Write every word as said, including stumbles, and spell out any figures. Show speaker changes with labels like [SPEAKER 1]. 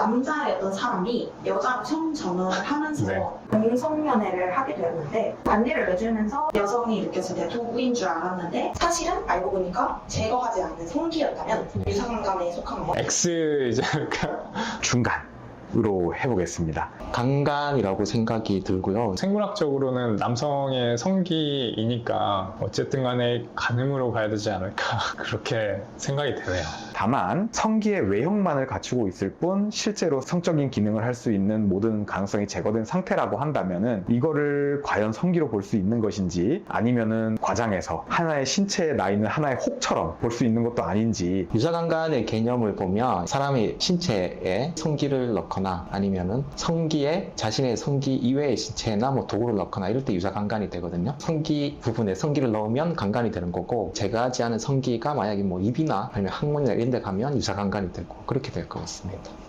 [SPEAKER 1] 남자였던 사람이 여자로 성전환을 하면서
[SPEAKER 2] 네.
[SPEAKER 1] 공성연애를 하게 되었는데 반대를 내주면서 여성이 느꼈을 때 도구인 줄 알았는데 사실은 알고 보니까 제거하지 않는 성기였다면 유사관간에 속한 거.
[SPEAKER 2] X 이제
[SPEAKER 3] 중간. 으로 해보겠습니다.
[SPEAKER 4] 강간이라고 생각이 들고요.
[SPEAKER 2] 생물학적으로는 남성의 성기이니까 어쨌든 간에 간음으로 가야 되지 않을까 그렇게 생각이 되네요.
[SPEAKER 3] 다만 성기의 외형만을 갖추고 있을 뿐 실제로 성적인 기능을 할 수 있는 모든 가능성이 제거된 상태라고 한다면은 이거를 과연 성기로 볼 수 있는 것인지 아니면은 과장해서 하나의 신체에 나 있는 하나의 혹처럼 볼 수 있는 것도 아닌지.
[SPEAKER 4] 유사강간의 개념을 보면 사람의 신체에 성기를 넣거나 아니면은 성기에 자신의 성기 이외의 신체나 뭐 도구를 넣거나 이럴 때 유사강간이 되거든요. 성기 부분에 성기를 넣으면 강간이 되는 거고 제거하지 않은 성기가 만약에 뭐 입이나 아니면 항문이나 이런 데 가면 유사강간이 되고 그렇게 될 것 같습니다.